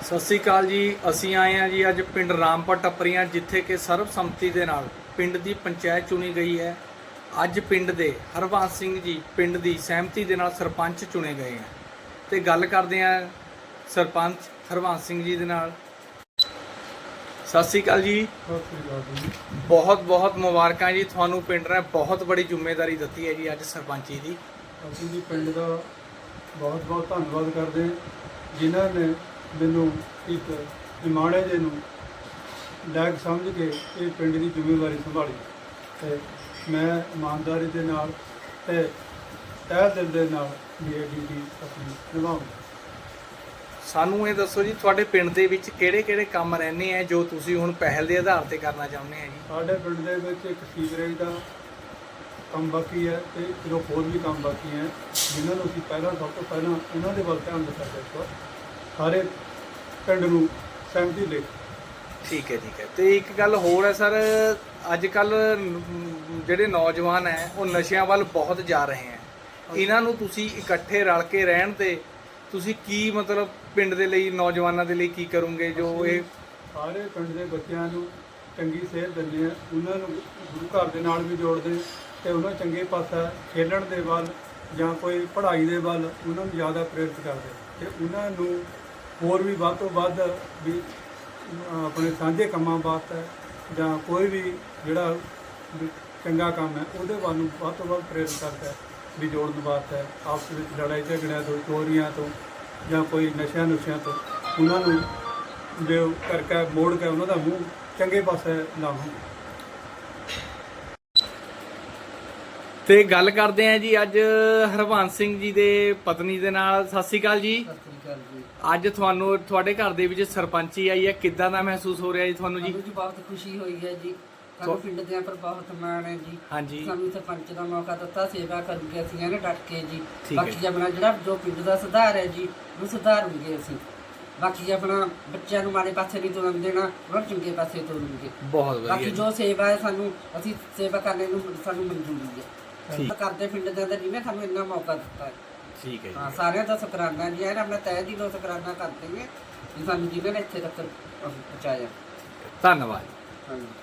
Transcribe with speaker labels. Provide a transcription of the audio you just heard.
Speaker 1: ਸਤਿ ਸ੍ਰੀ ਅਕਾਲ ਜੀ। ਅਸੀਂ ਆਏ ਹਾਂ ਜੀ ਅੱਜ ਪਿੰਡ ਰਾਮਪੁਰ ਟੱਪਰੀਆਂ, ਜਿੱਥੇ ਕਿ ਸਰਬਸੰਮਤੀ ਦੇ ਨਾਲ ਪਿੰਡ ਦੀ ਪੰਚਾਇਤ ਚੁਣੀ ਗਈ ਹੈ। ਅੱਜ ਪਿੰਡ ਦੇ ਹਰਬੰਸ ਸਿੰਘ ਜੀ ਪਿੰਡ ਦੀ ਸਹਿਮਤੀ ਦੇ ਨਾਲ ਸਰਪੰਚ ਚੁਣੇ ਗਏ ਹੈ ਤੇ ਗੱਲ ਕਰਦੇ ਹਾਂ ਸਰਪੰਚ ਹਰਬੰਸ ਸਿੰਘ ਜੀ ਦੇ ਨਾਲ। ਸਤਿ ਸ੍ਰੀ ਅਕਾਲ ਜੀ। ਬਹੁਤ ਬਹੁਤ ਮੁਬਾਰਕਾਂ ਜੀ ਤੁਹਾਨੂੰ। ਪਿੰਡ ਨੇ ਬਹੁਤ ਬੜੀ ਜ਼ਿੰਮੇਵਾਰੀ ਦਿੱਤੀ ਹੈ ਜੀ ਅੱਜ ਸਰਪੰਚੀ ਦੀ।
Speaker 2: ਅਸੀਂ ਜੀ ਪਿੰਡ ਦਾ ਬਹੁਤ ਬਹੁਤ ਧੰਨਵਾਦ ਕਰਦੇ ਹਾਂ ਜਿਨ੍ਹਾਂ ਨੇ ਮੈਨੂੰ ਇੱਕ ਨਿਮਾਣੇ ਜੇ ਨੂੰ ਲਾਇਕ ਸਮਝ ਕੇ ਇਹ ਪਿੰਡ ਦੀ ਜ਼ਿੰਮੇਵਾਰੀ ਸੰਭਾਲੀ ਤੇ ਮੈਂ ਇਮਾਨਦਾਰੀ ਦੇ ਨਾਲ ਤੇ ਤਹਿ ਦਿਲ ਦੇ ਨਾਲ ਇਹ ਡਿਊਟੀ ਆਪਣੀ ਨਿਭਾਉਂਗਾ।
Speaker 1: ਸਾਨੂੰ ਇਹ ਦੱਸੋ ਜੀ, ਤੁਹਾਡੇ ਪਿੰਡ ਦੇ ਵਿੱਚ ਕਿਹੜੇ ਕਿਹੜੇ ਕੰਮ ਰਹਿੰਦੇ ਆ ਜੋ ਤੁਸੀਂ ਹੁਣ ਪਹਿਲ ਦੇ ਆਧਾਰ ਤੇ ਕਰਨਾ ਚਾਹੁੰਦੇ ਆ ਜੀ?
Speaker 2: ਸਾਡੇ ਪਿੰਡ ਦੇ ਵਿੱਚ ਇੱਕ ਸੀਵਰੇਜ ਦਾ ਕੰਮ ਬਾਕੀ ਹੈ ਤੇ ਇੱਕ ਹੋਰ ਵੀ ਕੰਮ ਬਾਕੀ ਹੈ ਜਿਨ੍ਹਾਂ ਨੂੰ ਅਸੀਂ ਸਭ ਤੋਂ ਪਹਿਲਾਂ ਉਹਨਾਂ ਦੇ ਵੱਲ ਧਿਆਨ ਦਿੱਤਾ ਜਾਏਗਾ। ਸਾਰੇ ਪਿੰਡ ਨੂੰ ਸਹਿਮਤੀ ਲੈ।
Speaker 1: ਠੀਕ ਹੈ ਤੇ ਇੱਕ ਗੱਲ ਹੋਰ ਹੈ ਸਰ, ਅੱਜ ਕੱਲ ਜਿਹੜੇ ਨੌਜਵਾਨ ਹੈ ਉਹ ਨਸ਼ਿਆਂ ਵੱਲ ਬਹੁਤ ਜਾ ਰਹੇ ਹੈ। ਇਹਨਾਂ ਨੂੰ ਤੁਸੀਂ ਇਕੱਠੇ ਰਲ ਕੇ ਰਹਿਣ ਤੇ ਤੁਸੀਂ ਕੀ ਮਤਲਬ ਪਿੰਡ ਦੇ ਲਈ, ਨੌਜਵਾਨਾਂ ਦੇ ਲਈ ਕੀ ਕਰੋਗੇ? ਜੋ ਇਹ
Speaker 2: ਸਾਰੇ ਪਿੰਡ ਦੇ ਬੱਚਿਆਂ ਨੂੰ ਚੰਗੀ ਸੇਧ ਦਿੰਦੇ ਆ, ਉਹਨਾਂ ਨੂੰ ਗੁਰੂ ਘਰ ਦੇ ਨਾਲ ਵੀ ਜੋੜਦੇ ਤੇ ਉਹਨਾਂ ਚੰਗੇ ਪਾਸਾ ਖੇਡਣ ਦੇ ਵੱਲ ਜਾਂ ਕੋਈ ਪੜ੍ਹਾਈ ਦੇ ਵੱਲ ਉਹਨਾਂ ਨੂੰ ਜ਼ਿਆਦਾ ਪ੍ਰੇਰਿਤ ਕਰਦੇ ਤੇ ਉਹਨਾਂ ਨੂੰ ਹੋਰ ਵੀ ਵੱਧ ਤੋਂ ਵੱਧ ਵੀ ਆਪਣੇ ਸਾਂਝੇ ਕੰਮਾਂ ਵਾਸਤੇ ਜਾਂ ਕੋਈ ਵੀ ਜਿਹੜਾ ਚੰਗਾ ਕੰਮ ਹੈ ਉਹਦੇ ਵੱਲ ਨੂੰ ਵੱਧ ਤੋਂ ਵੱਧ ਪ੍ਰੇਰਿਤ ਕਰਦਾ ਵੀ ਜੋੜਨ ਵਾਸਤੇ। ਆਪਸ ਵਿੱਚ ਲੜਾਈ ਝਗੜਿਆਂ ਤੋਂ, ਚੋਰੀਆਂ ਤੋਂ ਜਾਂ ਕੋਈ ਨਸ਼ਿਆਂ ਤੋਂ ਉਹਨਾਂ ਨੂੰ ਜੋ ਕਰਕੇ ਮੋੜ ਕੇ ਉਹਨਾਂ ਦਾ ਮੂੰਹ ਚੰਗੇ ਪਾਸੇ ਲਾਵਾਂ।
Speaker 1: ਤੇ ਗੱਲ ਕਰਦੇ ਆ ਜੀ ਅੱਜ ਹਰਬੰਸ ਸਿੰਘ ਜੀ ਦੇ ਪਤਨੀ ਦੇ ਨਾਲ। ਸਤਿ ਸ੍ਰੀ ਅਕਾਲ ਜੀ।
Speaker 3: ਸਤਿ ਸ੍ਰੀ ਅਕਾਲ ਜੀ।
Speaker 1: ਅੱਜ ਤੁਹਾਨੂੰ ਤੁਹਾਡੇ ਘਰ ਦੇ ਵਿੱਚ ਸਰਪੰਚੀ ਆਈ ਹੈ, ਕਿੱਦਾਂ ਦਾ ਮਹਿਸੂਸ ਹੋ ਰਿਹਾ ਜੀ ਤੁਹਾਨੂੰ ਜੀ?
Speaker 3: ਸਾਨੂੰ ਜੀ ਬਹੁਤ ਖੁਸ਼ੀ ਹੋਈ ਹੈ ਜੀ। ਸਾਨੂੰ ਪਿੰਡ ਦੇ ਉੱਪਰ ਬਹੁਤ ਮਾਣ ਹੈ ਜੀ।
Speaker 1: ਹਾਂਜੀ।
Speaker 3: ਸਾਨੂੰ ਸਰਪੰਚ ਦਾ ਮੌਕਾ ਦਿੱਤਾ, ਸੇਵਾ ਕਰੂਗੇ ਅਸੀਂ ਇਹਨੇ ਡਟ ਕੇ ਜੀ।
Speaker 1: ਠੀਕ ਹੈ।
Speaker 3: ਬਾਕੀ ਆਪਣਾ ਜਿਹੜਾ ਜੋ ਪਿੰਡ ਦਾ ਸੁਧਾਰ ਹੈ ਜੀ ਉਹ ਸੁਧਾਰੂਗੇ ਅਸੀਂ। ਬਾਕੀ ਆਪਣਾ ਬੱਚਿਆਂ ਨੂੰ ਮਾੜੇ ਪਾਸੇ ਨਹੀਂ ਤੁਰਨ ਦੇਣਾ, ਉਹਨਾਂ ਨੂੰ ਚੰਗੇ ਪਾਸੇ ਤੋਰੂਗੇ।
Speaker 1: ਬਹੁਤ ਵਧੀਆ
Speaker 3: ਬਾਕੀ
Speaker 1: ਜੀ।
Speaker 3: ਜੋ ਸੇਵਾ ਹੈ ਸਾਨੂੰ ਅਸੀਂ ਸੇਵਾ ਕਰਨੇ ਨੂੰ ਸਾਨੂੰ ਮਨਜ਼ੂਰੀ ਹੈ।
Speaker 1: ਠੀਕ।
Speaker 3: ਕਰਦੇ ਪਿੰਡ ਦੇ ਅੰਦਰ ਜਿਹਨੇ ਸਾਨੂੰ ਇੰਨਾ ਮੌਕਾ ਦਿੱਤਾ ਹੈ।
Speaker 1: ਠੀਕ ਹੈ ਜੀ।
Speaker 3: ਹਾਂ, ਸਾਰਿਆਂ ਦਾ ਸ਼ੁਕਰਾਨਾ ਜੀ। ਇਹ ਆਪਣਾ ਤਹਿ ਦਿਲੋਂ ਸ਼ੁਕਰਾਨਾ ਕਰਦੇ ਹਾਂ ਕਿ ਸਾਨੂੰ ਜਿਹਨੇ ਨੇ ਇੱਥੇ ਤੱਕ ਪਹੁੰਚਾਇਆ।
Speaker 1: ਧੰਨਵਾਦ।
Speaker 3: ਹਾਂਜੀ।